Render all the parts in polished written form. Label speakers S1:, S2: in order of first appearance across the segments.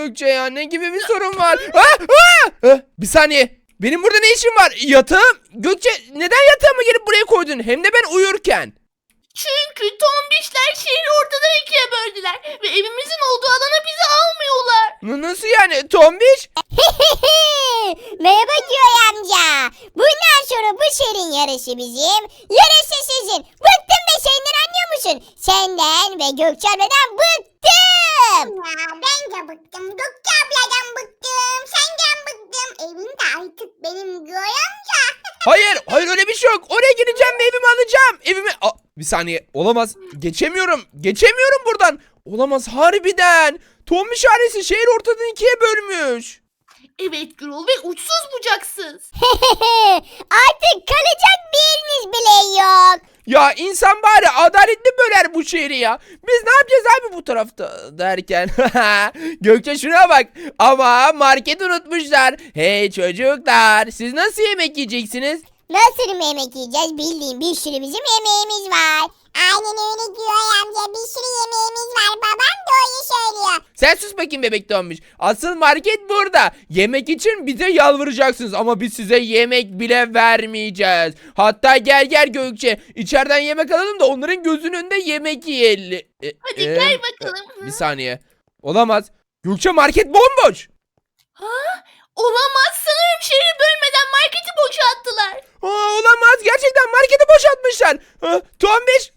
S1: Gökçe ya? Ne gibi bir sorun var? Bir saniye. Benim burada ne işim var? Yatağım. Gökçe neden yatağımı gelip buraya koydun? Hem de ben uyurken.
S2: Çünkü tombişler şehri ortadan ikiye böldüler ve evimizin olduğu alana bizi almıyorlar.
S1: Nasıl yani? Tombiş?
S3: Merhaba Joy amca. Bundan sonra bu şehrin yarısı bizim, yarısı sizin. Bıktım be senden, anlıyor musun? Senden ve Gökçe abladan bıktım.
S4: Ya ben de bıktım. Gökçe abladan bıktım. Senden bıktım. Evin de artık benim Joy amca.
S1: Hayır öyle bir şey yok. Oraya gideceğim ve evimi alacağım. Bir saniye. Olamaz. Geçemiyorum buradan. Olamaz harbiden. Tombiş ailesi şehir ortadan ikiye bölmüş.
S2: Evet Gürol ve uçsuz bucaksız.
S3: Artık kalacak bir yeriniz bile yok.
S1: Ya insan bari adaletli böler bu şehri ya. Biz ne yapacağız abi bu tarafta derken. Gökçe şuna bak. Ama market unutmuşlar. Hey çocuklar, siz nasıl yemek yiyeceksiniz?
S3: Nasıl yemek yiyeceğiz? Bildiğin bir sürü bizim yemeğimiz var.
S4: Aynen öyle Joy amca. Bir sürü yemeğimiz var. Babam doğru söylüyor.
S1: Sen sus bakayım bebek Tombiş. Asıl market burada. Yemek için bize yalvaracaksınız ama biz size yemek bile vermeyeceğiz. Hatta gel Gökçe. İçeriden yemek alalım da onların gözünün önünde yemek yiyelim.
S2: Hadi gel bakalım.
S1: Bir saniye. Olamaz. Gökçe market bomboş.
S2: Olamaz, sanırım şehri bölmeden marketi boşalttılar.
S1: Olamaz. Gerçekten marketi boşaltmışlar. Tombiş.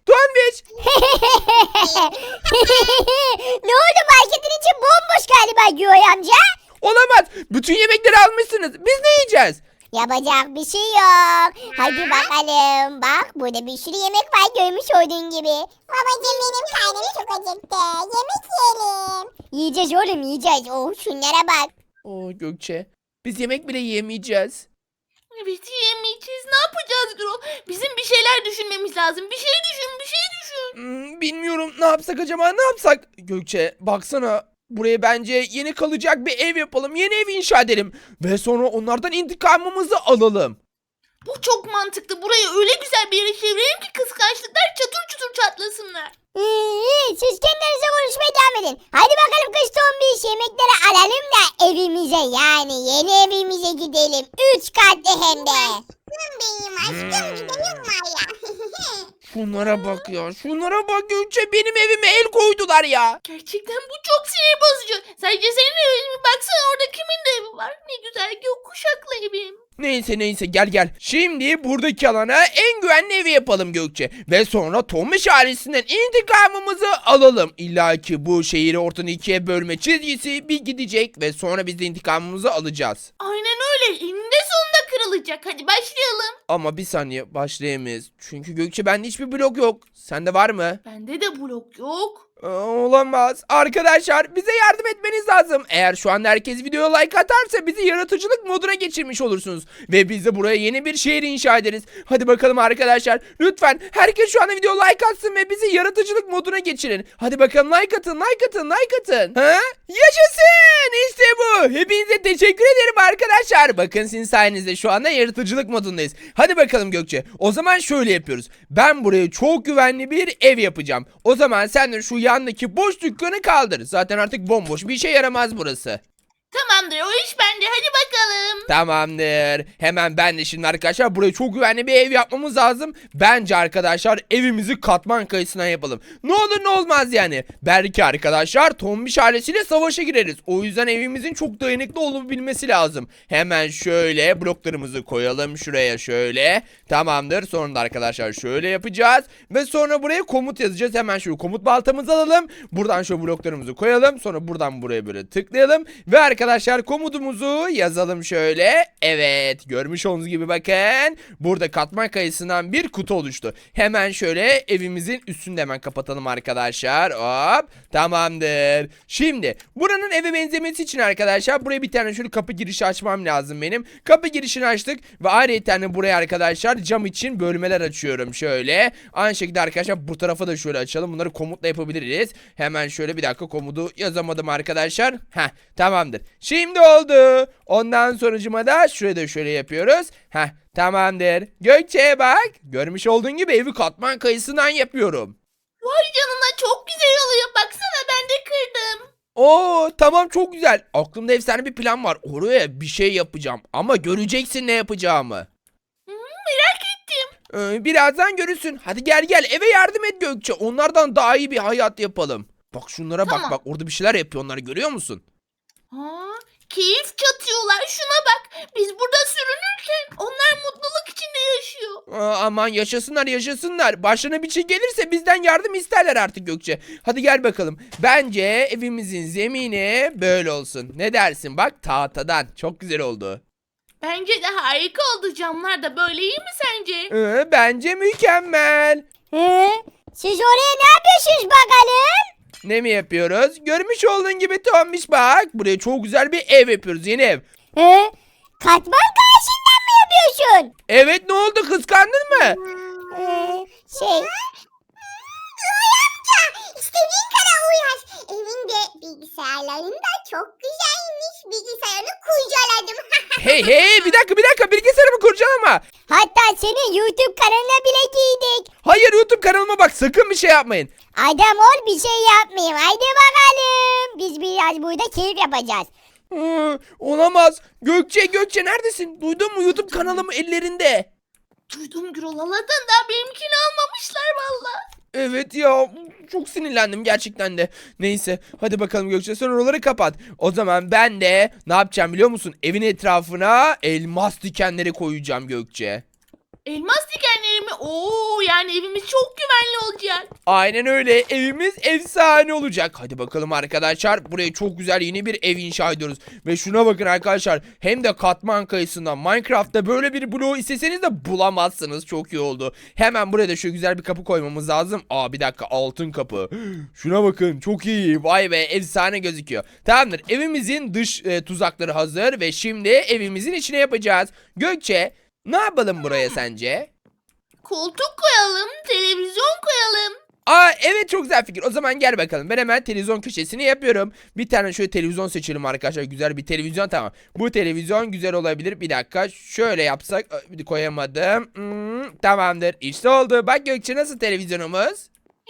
S3: Ne oldu, marketin içi bomboş galiba Joy amca.
S1: Olamaz. Bütün yemekleri almışsınız. Biz ne yiyeceğiz?
S3: Yapacak bir şey yok. Hadi bakalım. Bak burada bir sürü yemek var, görmüş olduğun gibi.
S4: Babacığım benim karnım çok acıktı. Yemek yiyelim.
S3: Yiyeceğiz oğlum, yiyeceğiz. Oh şunlara bak.
S1: Gökçe. Biz yemek bile yemeyeceğiz.
S2: Evet, yiyemeyeceğiz. Ne yapacağız Gürol? Bizim bir şeyler düşünmemiz lazım. Bir şey düşün.
S1: Bilmiyorum, ne yapsak acaba, ne yapsak? Gökçe baksana, buraya bence yeni kalacak bir ev yapalım. Yeni ev inşa edelim. Ve sonra onlardan intikamımızı alalım.
S2: Bu çok mantıklı. Burayı öyle güzel bir yere çevirelim ki kıskançlıklar çatır çutur çatlasınlar.
S3: Siz kendinize konuşmaya devam edin. Hadi bakalım kız tombiş, yemekleri alalım da evimize, yani yeni evimize gidelim. 3 katlı hem de.
S4: Benim aşkım gidelim var ya.
S1: Şunlara bak ya, şunlara bak Gökçe, benim evime el koydular ya.
S2: Gerçekten bu çok sinir bozucu. Sadece senin evin mi? Baksana orada kimin de evi var. Ne güzel gökkuşaklı evim.
S1: Neyse gel. Şimdi buradaki alana en güvenli evi yapalım Gökçe. Ve sonra Tomiş ailesinden intikamımızı alalım. İlla ki bu şehri ortadan ikiye bölme çizgisi bir gidecek ve sonra biz de intikamımızı alacağız.
S2: Aynen öyle. Eninde sonunda kırılacak. Hadi başlayalım.
S1: Ama bir saniye, başlayamayız. Çünkü Gökçe, bende hiçbir blok yok. Sende var mı?
S2: Bende de blok yok.
S1: Olamaz. Arkadaşlar, bize yardım etmeniz lazım. Eğer şu anda herkes videoya like atarsa bizi yaratıcılık moduna geçirmiş olursunuz. Ve biz de buraya yeni bir şehir inşa ederiz. Hadi bakalım arkadaşlar. Lütfen herkes şu anda videoya like atsın ve bizi yaratıcılık moduna geçirin. Hadi bakalım, like atın. Ha? Yaşasın! İşte bu. Hepinize teşekkür ederim arkadaşlar. Bakın, sizin sayenizde şu anda yaratıcılık modundayız. Hadi bakalım Gökçe. O zaman şöyle yapıyoruz. Ben buraya çok güvenli bir ev yapacağım. O zaman sen de şu yandaki boş dükkanı kaldır. Zaten artık bomboş, bir işe yaramaz burası.
S2: Tamamdır, o iş bende. Hadi bakalım.
S1: Tamamdır. Hemen ben de şimdi arkadaşlar buraya çok güvenli bir ev yapmamız lazım. Bence arkadaşlar evimizi katman kayısından yapalım. Ne olur ne olmaz yani. Belki arkadaşlar Tombiş ailesiyle savaşa gireriz. O yüzden evimizin çok dayanıklı olabilmesi lazım. Hemen şöyle bloklarımızı koyalım şuraya şöyle. Tamamdır. Sonra da arkadaşlar şöyle yapacağız. Ve sonra buraya komut yazacağız. Hemen şu komut baltamızı alalım. Buradan şu bloklarımızı koyalım. Sonra buradan buraya böyle tıklayalım. Ve arkadaşlar komutumuzu yazalım şöyle. Evet, görmüş olduğunuz gibi bakın. Burada katman kayısından bir kutu oluştu. Hemen şöyle evimizin üstünde hemen kapatalım arkadaşlar. Hop, tamamdır. Şimdi buranın eve benzemesi için arkadaşlar buraya bir tane şöyle kapı girişi açmam lazım benim. Kapı girişini açtık ve ayrıca buraya arkadaşlar cam için bölmeler açıyorum şöyle. Aynı şekilde arkadaşlar bu tarafa da şöyle açalım. Bunları komutla yapabiliriz. Hemen şöyle bir dakika, komutu yazamadım arkadaşlar. Tamamdır. Şimdi oldu. Ondan sonucuma da şuraya da şöyle yapıyoruz. Tamamdır. Gökçe'ye bak. Görmüş olduğun gibi evi katman kayısından yapıyorum.
S2: Vay canına, çok güzel oluyor. Baksana, ben de kırdım.
S1: Oo tamam, çok güzel. Aklımda efsane bir plan var. Oraya bir şey yapacağım ama göreceksin ne yapacağımı.
S2: Merak ettim.
S1: Birazdan görürsün. Hadi gel gel, eve yardım et Gökçe. Onlardan daha iyi bir hayat yapalım. Bak şunlara,
S2: Tamam.
S1: bak orada bir şeyler yapıyor, onları görüyor musun?
S2: Ha, keyif çatıyorlar. Şuna bak. Biz burada sürünürken onlar mutluluk içinde yaşıyor.
S1: Aman yaşasınlar yaşasınlar. Başlarına bir şey gelirse bizden yardım isterler artık Gökçe. Hadi gel bakalım. Bence evimizin zemini böyle olsun. Ne dersin? Bak, tahtadan. Çok güzel oldu.
S2: Bence de harika oldu. Camlar da böyle, iyi mi sence?
S1: Bence mükemmel.
S3: Siz oraya ne yapıyorsunuz bakalım?
S1: Ne mi yapıyoruz? Görmüş olduğun gibi Tombiş, bak. Buraya çok güzel bir ev yapıyoruz. Yeni ev.
S3: Katman karşından mı yapıyorsun?
S1: Evet, ne oldu? Kıskandın mı?
S3: Şey,
S4: İstediğin kadar uğraş. Evinde bilgisayarların da çok güzelmiş. Bilgisayarını kurcaladım.
S1: Hey, bir dakika, bilgisayarımı kurcalama.
S3: hatta senin YouTube kanalına bile giydik.
S1: Hayır, YouTube kanalıma bak, sakın bir şey yapmayın.
S3: Adam ol, bir şey yapmayayım. Haydi bakalım. Biz biraz burada keyif yapacağız.
S1: Olamaz. Gökçe neredesin? Duydun mu? YouTube kanalım ellerinde.
S2: Duydum Gürol, Allah'tan daha benimkini almamışlar valla.
S1: Evet ya, çok sinirlendim gerçekten de. Neyse, hadi bakalım Gökçe, sen oraları kapat. O zaman ben de ne yapacağım biliyor musun? Evin etrafına elmas dikenleri koyacağım Gökçe.
S2: Elmas dikenleri mi? Oo, yani evimiz çok güvenli olacak.
S1: Aynen öyle, evimiz efsane olacak. Hadi bakalım arkadaşlar, buraya çok güzel yeni bir ev inşa ediyoruz. Ve şuna bakın arkadaşlar, hem de katman kayısından. Minecraft'ta böyle bir bloğu isteseniz de bulamazsınız. Çok iyi oldu. Hemen buraya da şu güzel bir kapı koymamız lazım. Bir dakika, altın kapı. Şuna bakın, çok iyi. Vay be, efsane gözüküyor. Tamamdır, evimizin dış tuzakları hazır ve şimdi evimizin içine yapacağız. Gökçe, ne yapalım buraya sence?
S2: Koltuk koyalım, televizyon koyalım.
S1: Evet, çok güzel fikir. O zaman gel bakalım. Ben hemen televizyon köşesini yapıyorum. Bir tane şöyle televizyon seçelim arkadaşlar. Güzel bir televizyon, tamam. Bu televizyon güzel olabilir. Bir dakika, şöyle yapsak. Koyamadım. Tamamdır. İşte oldu. Bak Gökçe, nasıl televizyonumuz?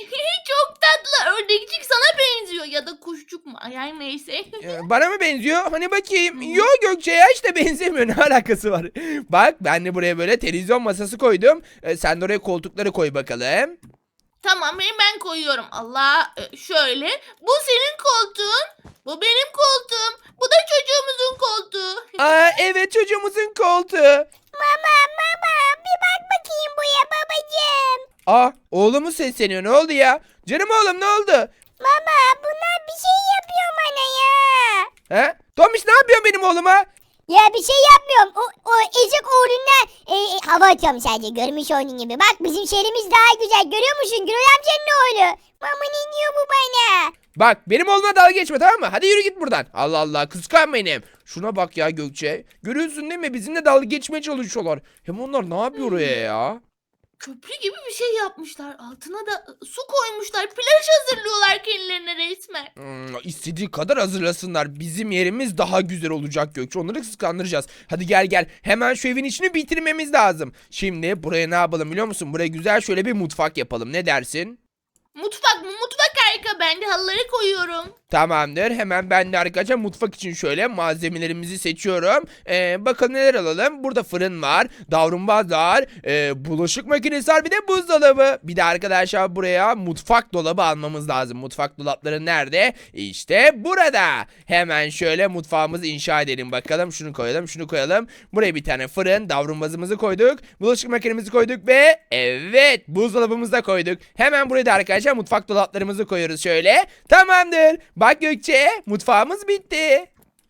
S2: Çok tatlı, ördekçik sana benziyor ya da kuşçuk mu? Ay neyse.
S1: Bana mı benziyor? Hani bakayım. Yok Gökçe ya, işte benzemiyor. Ne alakası var? Bak, ben de buraya böyle televizyon masası koydum. Sen de oraya koltukları koy bakalım.
S2: Tamam, ben koyuyorum. Allah, şöyle. Bu senin koltuğun. Bu benim koltuğum. Bu da çocuğumuzun koltuğu.
S1: Evet, çocuğumuzun koltuğu.
S3: Mama, bir bak bakayım buraya babacığım.
S1: Oğlumu sesleniyor. Ne oldu ya? Canım oğlum, ne oldu?
S3: Baba, bunlar bir şey yapıyor bana ya.
S1: He? Tomiş, ne yapıyorsun benim oğluma?
S3: Ya bir şey yapmıyorum. O ezik uğruna hava atıyorum sadece. Görmüş olduğun gibi. Bak, bizim şehrimiz daha güzel. Görüyor musun? Gürol amcanın oğlu. Mama, ne diyor bu bana?
S1: Bak, benim oğluma dalga geçme, tamam mı? Hadi yürü git buradan. Allah Allah, kıskan benim. Şuna bak ya Gökçe. Görüyorsun değil mi? Bizimle dalga geçmeye çalışıyorlar. Hem onlar ne yapıyor oraya ya?
S2: Köprü gibi bir şey yapmışlar. Altına da su koymuşlar. Plaj hazırlıyorlar kendilerine resmen.
S1: İstediği kadar hazırlasınlar. Bizim yerimiz daha güzel olacak Gökçe. Onları kıskandıracağız. Hadi gel. Hemen şu evin içini bitirmemiz lazım. Şimdi buraya ne yapalım biliyor musun? Buraya güzel şöyle bir mutfak yapalım. Ne dersin?
S2: Mutfak mı? Mutfak harika. Ben de halıları koyuyorum.
S1: Tamamdır. Hemen ben de arkadaşlar mutfak için şöyle malzemelerimizi seçiyorum. Bakalım neler alalım. Burada fırın var. Davlumbaz var. Bulaşık makinesi var. Bir de buzdolabı. Bir de arkadaşlar buraya mutfak dolabı almamız lazım. Mutfak dolapları nerede? İşte burada. Hemen şöyle mutfağımızı inşa edelim bakalım. Şunu koyalım, şunu koyalım. Buraya bir tane fırın, davlumbazımızı koyduk. Bulaşık makinemizi koyduk ve evet, buzdolabımızı da koyduk. Hemen buraya da arkadaşlar mutfak dolaplarımızı koyuyoruz şöyle. Tamamdır. Bak Gökçe, mutfağımız bitti.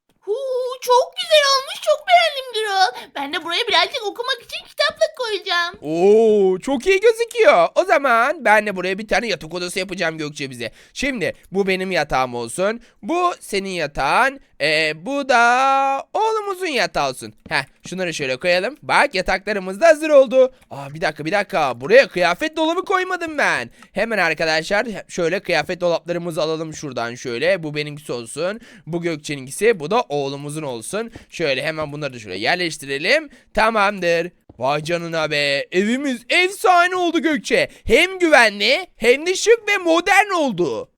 S2: Çok güzel olmuş. Çok beğendim Gürol. Ben de buraya birazcık okumak için kitaplık koyacağım.
S1: Çok iyi gözüküyor. O zaman ben de buraya bir tane yatak odası yapacağım Gökçe bize. Şimdi bu benim yatağım olsun. Bu senin yatağın. Bu da oğlumuzun yatağı olsun. Şunları şöyle koyalım. Bak, yataklarımız da hazır oldu. Bir dakika. Buraya kıyafet dolabı koymadım ben. Hemen arkadaşlar şöyle kıyafet dolaplarımızı alalım şuradan şöyle. Bu benimkisi olsun. Bu Gökçe'ninkisi. Bu da oğlumuzun olsun. Şöyle hemen bunları da şöyle yerleştirelim. Tamamdır. Vay canına be. Evimiz efsane oldu Gökçe. Hem güvenli hem de şık ve modern oldu.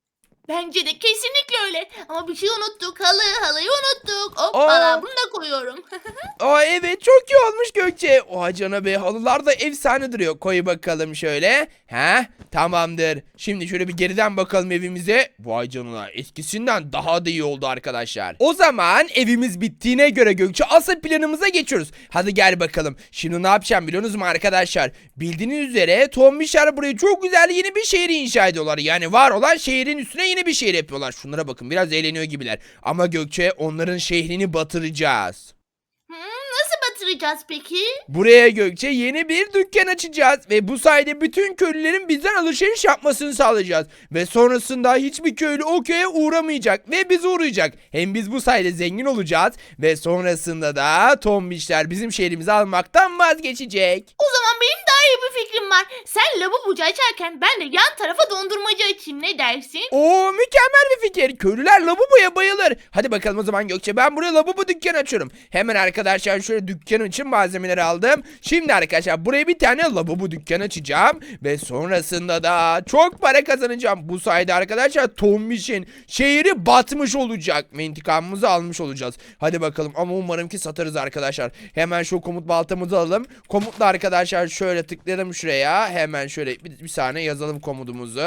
S2: Bence de kesinlikle öyle. Ama bir şey unuttuk. Halıyı unuttuk. Hoppala
S1: Aa.
S2: bunu da koyuyorum.
S1: Aa evet çok iyi olmuş Gökçe. Oha canına be, halılar da efsane duruyor. Koy bakalım şöyle. Tamamdır. Şimdi şöyle bir geriden bakalım evimize. Vay canına, eskisinden daha da iyi oldu arkadaşlar. O zaman evimiz bittiğine göre Gökçe asıl planımıza geçiyoruz. Hadi gel bakalım. Şimdi ne yapacağım biliyorsunuz mu arkadaşlar? Bildiğiniz üzere Tombişler buraya çok güzel yeni bir şehir inşa ediyorlar. Yani var olan şehrin üstüne yeni bir şehir yapıyorlar. Şunlara bakın, biraz eğleniyor gibiler. Ama Gökçe onların şehrini batıracağız.
S2: Nasıl batıracağız peki?
S1: Buraya Gökçe yeni bir dükkan açacağız ve bu sayede bütün köylülerin bizden alışveriş yapmasını sağlayacağız. Ve sonrasında hiçbir köylü o köye uğramayacak ve bize uğrayacak. Hem biz bu sayede zengin olacağız ve sonrasında da Tombişler bizim şehrimizi almaktan vazgeçecek.
S2: O zaman benim daha iyi bir fikrim var. Sen lavabocu açarken ben de yan tarafa dondurmacı açayım, ne dersin?
S1: Oo, mükemmel bir fikir. Köylüler lavaboya bayılır. Hadi bakalım o zaman Gökçe, ben buraya lavabo dükkanı açıyorum. Hemen arkadaşlar şöyle dükkan için malzemeleri aldım. Şimdi arkadaşlar buraya bir tane lavabo dükkanı açacağım. Ve sonrasında da çok para kazanacağım. Bu sayede arkadaşlar Tombiş'in şehri batmış olacak. Ve intikamımızı almış olacağız. Hadi bakalım, ama umarım ki satarız arkadaşlar. Hemen şu komut baltamızı alalım. Komutla arkadaşlar şöyle tıklayalım şuraya. Hemen şöyle bir saniye yazalım komutumuzu.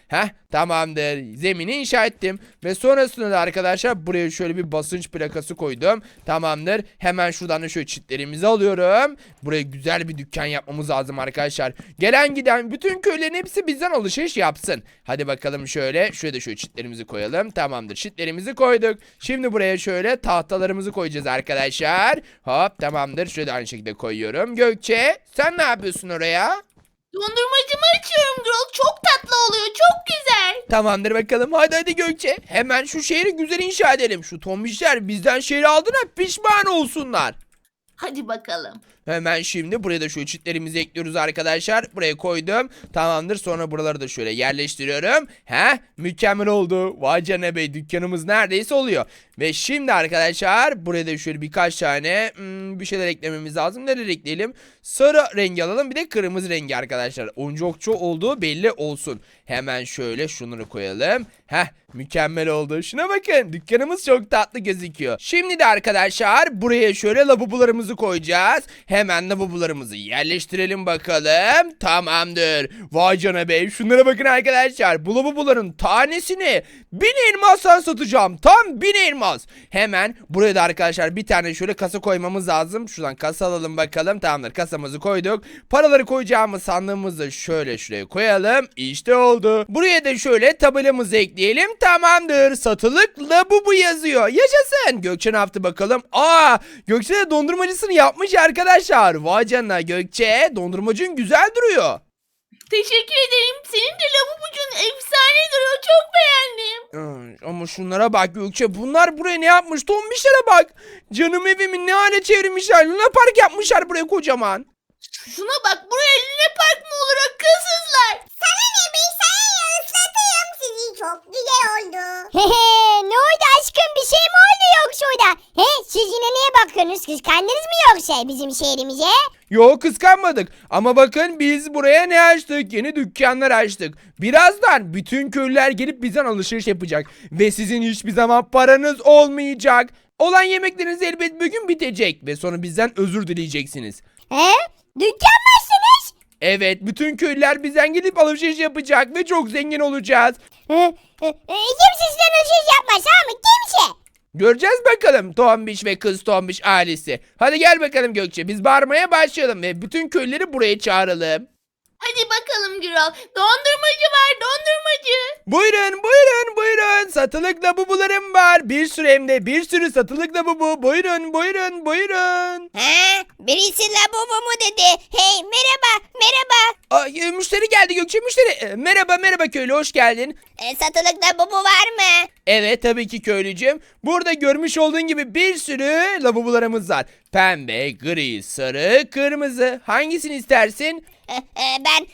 S1: Tamamdır. Zemini inşa ettim. Ve sonrasında da arkadaşlar buraya şöyle bir basınç plakası koydum. Tamamdır. Hemen şuradan da şöyle çitlerimizi alıyorum. Buraya güzel bir dükkan yapmamız lazım arkadaşlar. Gelen giden bütün köylerin hepsi bizden alışveriş yapsın. Hadi bakalım şöyle. Şuraya da şöyle çitlerimizi koyalım. Tamamdır. Çitlerimizi koyduk. Şimdi buraya şöyle tahtalarımızı koyacağız arkadaşlar. Hop, tamamdır. Şöyle de aynı şekilde koyuyorum. Gökçe, sen ne yapıyorsun oraya?
S2: Dondurmacımı açıyorum Gürol. Çok tatlı oluyor. Çok güzel.
S1: Tamamdır bakalım. Hadi Gökçe. Hemen şu şehri güzel inşa edelim. Şu Tombişler bizden şehri aldığına pişman olsunlar.
S2: Hadi bakalım.
S1: Hemen şimdi buraya da şu çitlerimizi ekliyoruz arkadaşlar. Buraya koydum. Tamamdır. Sonra buraları da şöyle yerleştiriyorum. Mükemmel oldu. Vay canına bey, dükkanımız neredeyse oluyor. Ve şimdi arkadaşlar buraya da şöyle birkaç tane bir şeyler eklememiz lazım. Neler ekleyelim? Sarı rengi alalım, bir de kırmızı rengi arkadaşlar. Oyuncakçı olduğu belli olsun. Hemen şöyle şunları koyalım. Mükemmel oldu. Şuna bakın, dükkanımız çok tatlı gözüküyor. Şimdi de arkadaşlar buraya şöyle lavabolarımızı koyacağız. Hemen lavabolarımızı yerleştirelim bakalım. Tamamdır. Vay canına be, şunlara bakın arkadaşlar. Bu lavaboların tanesini 1000 elmastan satacağım. Tam 1000 elmas. Hemen buraya da arkadaşlar bir tane şöyle kasa koymamız lazım. Şuradan kasa alalım bakalım. Tamamdır, kasamızı koyduk. Paraları koyacağımız sandığımızı şöyle şuraya koyalım. İşte oldu. Buraya da şöyle tabelamızı ekleyelim. Tamamdır. Satılık lavabo yazıyor. Yaşasın. Gökçe ne yaptı bakalım? Gökçe de dondurmacısını yapmış arkadaşlar. Vay canına Gökçe. Dondurmacın güzel duruyor.
S2: Teşekkür ederim. Senin de lavabocun efsane duruyor. Çok beğendim.
S1: Ama şunlara bak Gökçe. Bunlar buraya ne yapmış? Tombişlere bak. Canım evimi ne hale çevirmişler. Luna Park yapmışlar buraya kocaman.
S2: Şuna bak, buraya Luna Park mı olur akılsızlar?
S4: Sana ne be, sana ne, ıslatayım sizi, çok güzel oldu.
S3: Ne oldu aşkım, bir şey mi oldu yoksa orada? Siz yine neye bakıyorsunuz, kıskandınız mı yoksa bizim şehrimize?
S1: Yok, kıskanmadık. Ama bakın biz buraya ne açtık? Yeni dükkanlar açtık. Birazdan bütün köylüler gelip bizden alışveriş yapacak. Ve sizin hiçbir zaman paranız olmayacak. Olan yemekleriniz elbet bir gün bitecek. Ve sonra bizden özür dileyeceksiniz.
S3: Dükkan mı açtınız?
S1: Evet, bütün köylüler bizden gelip alışveriş yapacak ve çok zengin olacağız.
S3: Kimse sizden alışveriş yapmaz ama kimse.
S1: Göreceğiz bakalım Tombiş ve kız Tombiş ailesi. Hadi gel bakalım Gökçe, biz bağırmaya başlayalım ve bütün köylüleri buraya çağıralım.
S2: Hadi bakalım Gürol. Dondurmacı var, dondurmacı.
S1: Buyurun buyurun buyurun, satılık lavabolarım var. Bir sürü, hem de bir sürü satılık lavabo. Buyurun buyurun buyurun.
S3: Birisi lavabo mu dedi? Hey, merhaba.
S1: Müşteri geldi Gökçe, müşteri. Merhaba köylü, hoş geldin.
S3: Satılık lavabo var mı?
S1: Evet tabii ki köylücüm. Burada görmüş olduğun gibi bir sürü lavabolarımız var. Pembe, gri, sarı, kırmızı. Hangisini istersin?
S3: Ben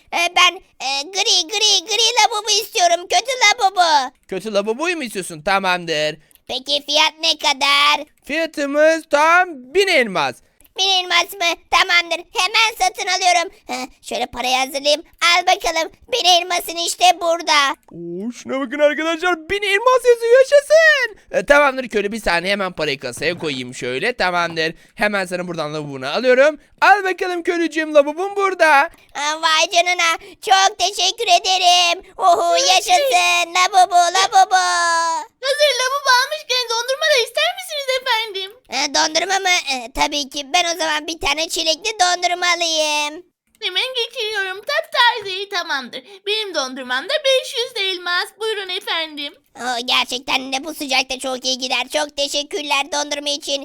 S3: gri lavabo istiyorum, kötü lavabo.
S1: Kötü lavaboyu mu istiyorsun? Tamamdır.
S3: Peki fiyat ne kadar?
S1: Fiyatımız tam 1000 elmas.
S3: 1000 elmas mı? Tamamdır. Hemen satın alıyorum. Şöyle parayı hazırlayayım. Al bakalım. 1000 elmasın işte burada.
S1: Oo, şuna bakın arkadaşlar 1000 elmas yazıyor yaşasın. Tamamdır köylü bir saniye hemen parayı kasaya koyayım şöyle tamamdır. Hemen sana buradan lavabonu alıyorum. Al bakalım köylücüğüm lavabon burada.
S3: Vay canına. Çok teşekkür ederim. Oho yaşasın. Labubu labubu.
S2: Hazır lavabo almışken dondurma da ister misiniz efendim?
S3: Dondurma mı? Tabii ki. Ben o zaman bir tane çilekli dondurma alayım.
S2: Hemen geçiriyorum. Taptaze tamamdır. Benim dondurmamda 500 de elmas. Buyurun efendim.
S3: Gerçekten de bu sıcakta çok iyi gider. Çok teşekkürler dondurma için.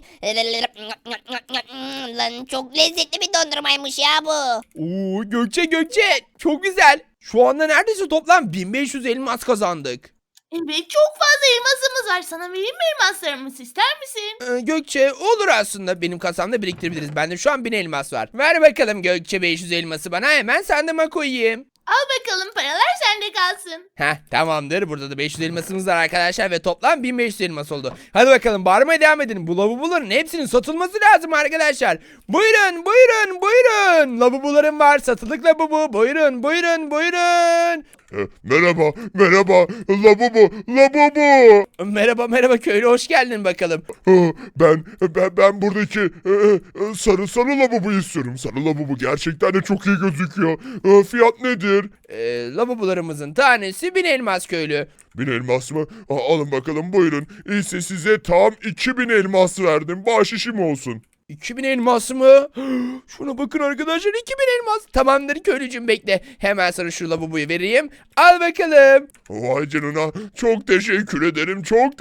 S3: Lan çok lezzetli bir dondurmaymış ya bu.
S1: Oo Gökçe çok güzel. Şu anda neredeyse toplam 1500 elmas kazandık.
S2: Evet çok fazla elmasımız var. Sana vereyim mi elmaslarımızı ister misin?
S1: Gökçe olur aslında benim kasamda biriktirebiliriz. Bende şu an 1000 elmas var. Ver bakalım Gökçe 500 elması bana hemen sandığıma koyayım.
S2: Al bakalım paralar sende kalsın.
S1: Heh tamamdır burada da 500 elmasımız var arkadaşlar ve toplam 1500 elmas oldu. Hadi bakalım bağırmaya devam edin. Bu lavaboların hepsinin satılması lazım arkadaşlar. Buyurun. Lavabolarım var satılık lavabo. Buyurun.
S5: Merhaba, lavabo.
S1: Merhaba köylü hoş geldin bakalım.
S5: Ben buradaki sarı lavaboyu istiyorum. Sarı lavabo gerçekten de çok iyi gözüküyor. Fiyat nedir?
S1: Lavabolarımızın tanesi 1000 elmas köylü.
S5: 1000 elmas mı? Alın bakalım buyurun. İşte size tam 2000 elmas verdim. Bahşişim olsun.
S1: 2000 elmas mı? Şuna bakın arkadaşlar 2000 elmas. Tamamdır köylücüm bekle. Hemen sana şu lavaboyu vereyim. Al bakalım.
S5: Vay canına. Çok teşekkür ederim.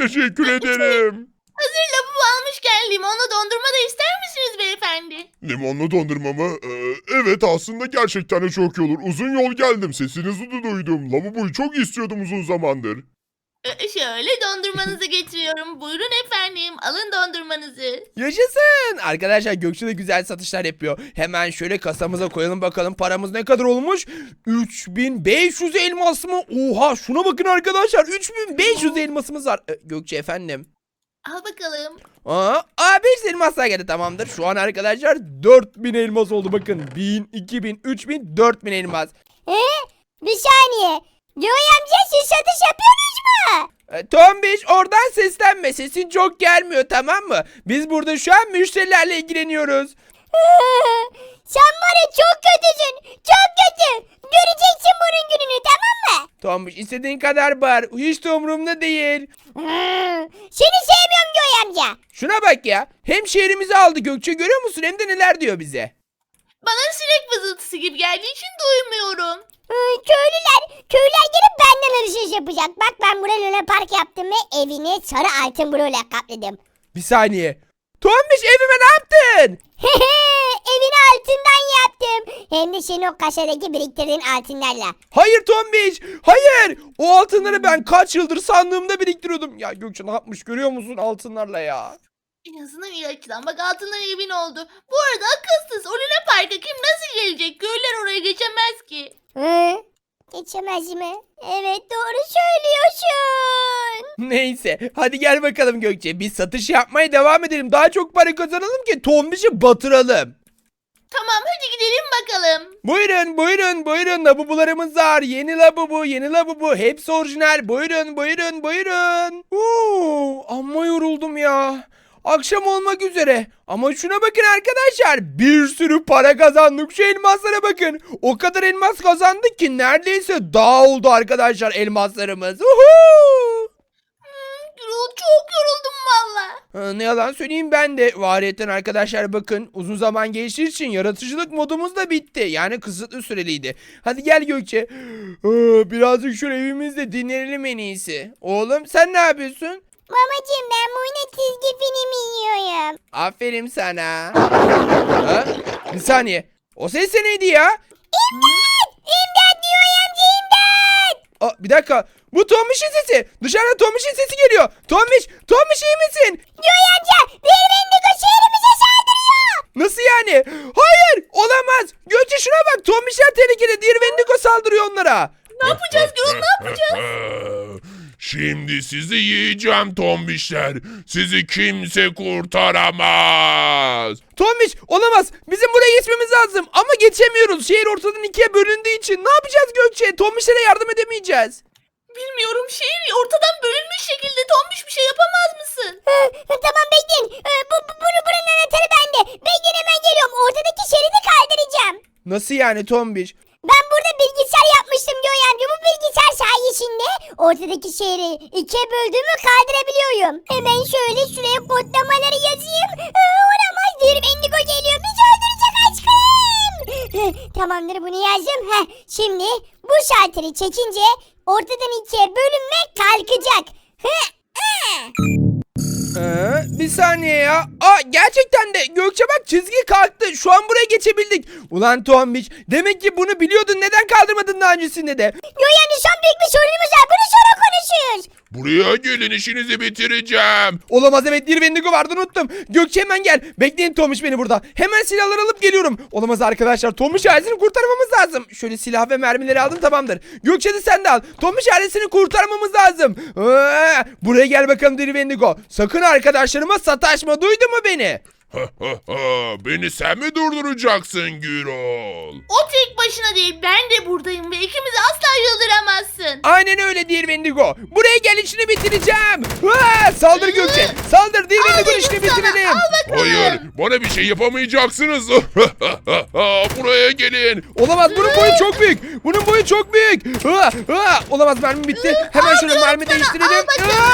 S2: Hazır lavabo almışken limonlu dondurma da ister misiniz beyefendi?
S5: Limonlu dondurma mı? Evet aslında gerçekten de çok iyi olur. Uzun yol geldim. Sesinizi de duydum. Lavaboyu çok istiyordum uzun zamandır.
S2: Şöyle dondurmanızı getiriyorum. Buyurun efendim alın dondurmanızı.
S1: Yaşasın. Arkadaşlar Gökçe de güzel satışlar yapıyor. Hemen şöyle kasamıza koyalım bakalım paramız ne kadar olmuş? 3500 elmas mı? Oha şuna bakın arkadaşlar 3500 elmasımız var. Gökçe efendim.
S2: Al bakalım.
S1: Aa 5 elmas daha geldi tamamdır. Şu an arkadaşlar 4000 elmas oldu bakın. 1000, 2000, 3000, 4000 elmas.
S3: Bir saniye. Joy amca siz satış yapıyorsunuz mu?
S1: Tombiş oradan seslenme sesin çok gelmiyor tamam mı? Biz burada şu an müşterilerle ilgileniyoruz.
S3: Sen var ya çok kötüsün. Çok kötü. Göreceksin bunun gününü tamam mı?
S1: Tombiş istediğin kadar bağır hiç de umurumda değil.
S3: Seni sevmiyorum Joy amca.
S1: Şuna bak ya hem şehrimizi aldı Gökçe görüyor musun hem de neler diyor bize.
S2: Bana sinek vızıltısı gibi geldiği için duymuyorum.
S3: Köylüler gelip benden alışveriş yapacak. Bak ben buraya Luna Park yaptım ve evini sarı altın bloğuyla kapladım.
S1: Bir saniye. Tombiş evime ne yaptın?
S3: Evini altından yaptım. Hem de senin o kasadaki biriktirdiğin altınlarla.
S1: Hayır Tombiş hayır. O altınları ben kaç yıldır sandığımda biriktiriyordum. Ya Gökçe ne yapmış görüyor musun altınlarla ya.
S2: En azından iyi açıdan. Bak altından evin oldu. Bu arada akılsız. O Luna Park'a kim nasıl gelecek? Köylüler oraya geçemez ki.
S3: Geçemez mi? Evet doğru söylüyorsun.
S1: Neyse hadi gel bakalım Gökçe biz satış yapmaya devam edelim. Daha çok para kazanalım ki Tombiş'i batıralım.
S2: Tamam hadi gidelim bakalım.
S1: Buyurun lavabolarımız var. Yeni lavabo hepsi orijinal. Buyurun. Amma yoruldum ya. Akşam olmak üzere. Ama şuna bakın arkadaşlar. Bir sürü para kazandık. Şu elmaslara bakın. O kadar elmas kazandık ki neredeyse dağ oldu arkadaşlar elmaslarımız.
S2: Gürol çok yoruldum valla.
S1: Ne yalan söyleyeyim ben de. Variyetten arkadaşlar bakın. Uzun zaman geçtiği için yaratıcılık modumuz da bitti. Yani kısıtlı süreliydi. Hadi gel Gökçe. Birazcık şu evimizde dinlenelim en iyisi. Oğlum sen ne yapıyorsun?
S3: Babacığım ben burada çizgi film yiyorum.
S1: Aferin sana. Bir saniye. O ses de neydi ya?
S3: İmdat diyor amca imdat.
S1: Bir dakika. Bu Tombiş'in sesi. Dışarıda Tombiş'in sesi geliyor. Tombiş iyi misin?
S3: Diyor amca bir Wendigo şehrimize saldırıyor.
S1: Nasıl yani? Hayır olamaz. Gökçe şuna bak. Tombiş'ler tehlikeli. Diğer Wendigo saldırıyor onlara.
S2: Ne yapacağız Gürol ne yapacağız?
S5: Şimdi sizi yiyeceğim tombişler. Sizi kimse kurtaramaz.
S1: Tombiş olamaz. Bizim buraya geçmemiz lazım ama geçemiyoruz. Şehir ortadan ikiye bölündüğü için. Ne yapacağız Gökçe? Tombişlere yardım edemeyeceğiz.
S2: Bilmiyorum, şehir ortadan bölünmüş şekilde. Tombiş bir şey yapamaz mısın?
S3: Tamam bekleyin. Buranın anahtarı bende. Bekleyin hemen geliyorum. Ortadaki şeridi kaldıracağım.
S1: Nasıl yani Tombiş?
S3: Ben burada bilgisayar yapmıştım Göğe amca. Bu bilgisayar sayesinde ortadaki şehri ikiye böldüğümü kaldırabiliyorum. Hemen şöyle şuraya kodlamaları yazayım. Olamaz, bir Bendigo geliyor. Bizi öldürecek aşkım. Tamamdır, bunu yazdım. Şimdi bu şalteri çekince ortadan ikiye bölünme kalkacak.
S1: Bir saniye ya. Gerçekten de Gökçe bak, çizgi kalktı. Şu an buraya geçebildik. Ulan Tombiş, demek ki bunu biliyordun. Neden kaldırmadın daha öncesinde de?
S3: Göğe amca, şu an büyük bir sorunumuz var. Bunu sonra konuşuyoruz.
S5: Buraya gelin, işinizi bitireceğim.
S1: Olamaz, evet, bir Wendigo vardı, unuttum. Gökçe hemen gel. Bekleyin Tombiş beni burada. Hemen silahları alıp geliyorum. Olamaz arkadaşlar, Tombiş ailesini kurtarmamız lazım. Şöyle silah ve mermileri aldım, tamamdır. Gökçe de sen de al. Tombiş ailesini kurtarmamız lazım. Buraya gel bakalım deli Wendigo. Sakın arkadaşlarıma sataşma, duydun mu beni?
S5: Beni sen mi durduracaksın Gürol?
S2: O tek başına değil, ben de buradayım ve ikimizi asla yıldıramazsın.
S1: Aynen öyle değil Wendigo. Buraya gel, işini bitireceğim. Saldır Gökçe. Saldır değil Wendigo, işini bitirelim.
S5: Hayır, bana bir şey yapamayacaksınız. Buraya gelin.
S1: Olamaz, bunun boyu çok büyük. Bunun boyu çok büyük. Olamaz, mermi bitti. Hemen şöyle mermi değiştirelim.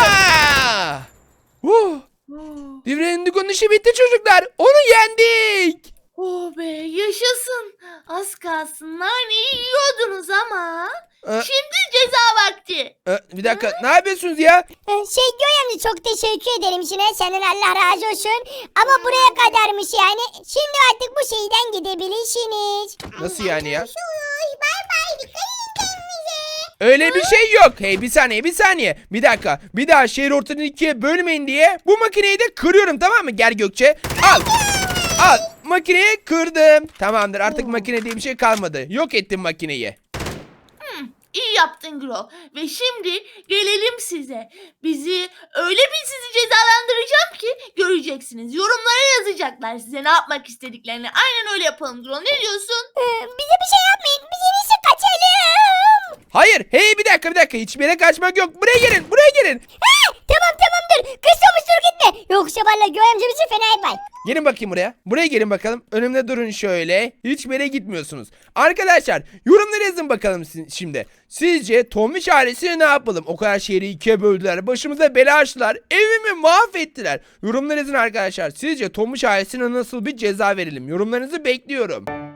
S1: Bir Wendigo'nun işi bitti çocuklar. Onu yendik.
S2: Oh be, yaşasın. Az kalsın naneyi yiyordunuz ama. Şimdi ceza vakti.
S1: Bir dakika, ne yapıyorsunuz ya?
S3: Göğe amca, çok teşekkür ederim Şine. Senden Allah razı olsun. Ama buraya kadarmış yani. Şimdi artık bu şeyden gidebilirsiniz.
S1: Nasıl yani ya?
S4: Bay bay. Dikkat edin kendinize.
S1: Öyle bir şey yok. Hey, bir saniye. Bir dakika. Bir daha şehir ortadan ikiye bölmeyin diye bu makineyi de kırıyorum, tamam mı? Gel Gökçe. Al. Al. Makineyi kırdım. Tamamdır, artık makine diye bir şey kalmadı. Yok ettim makineyi.
S2: İyi yaptın Gro. Ve şimdi gelelim size. Öyle bir sizi cezalandıracağım ki göreceksiniz. Yorumlara yazacaklar size ne yapmak istediklerini. Aynen öyle yapalım Gro. Ne diyorsun?
S3: Bize bir şey yapmayın. Biz en iyisi kaçalım.
S1: Hayır. Hey, bir dakika. Hiçbir yere kaçmak yok. Buraya gelin.
S3: Tamamdır. Kız Tomuş, dur gitme. Yoksa valla Göğe amca bizi fena yapar.
S1: Gelin bakayım buraya. Buraya gelin bakalım. Önümde durun şöyle. Hiçbir yere gitmiyorsunuz. Arkadaşlar, yorumlara yazın bakalım şimdi. Sizce Tombiş ailesine ne yapalım? O kadar şehri ikiye böldüler. Başımıza bela açtılar. Evimi mahvettiler. Yorumlara yazın arkadaşlar. Sizce Tombiş ailesine nasıl bir ceza verelim? Yorumlarınızı bekliyorum.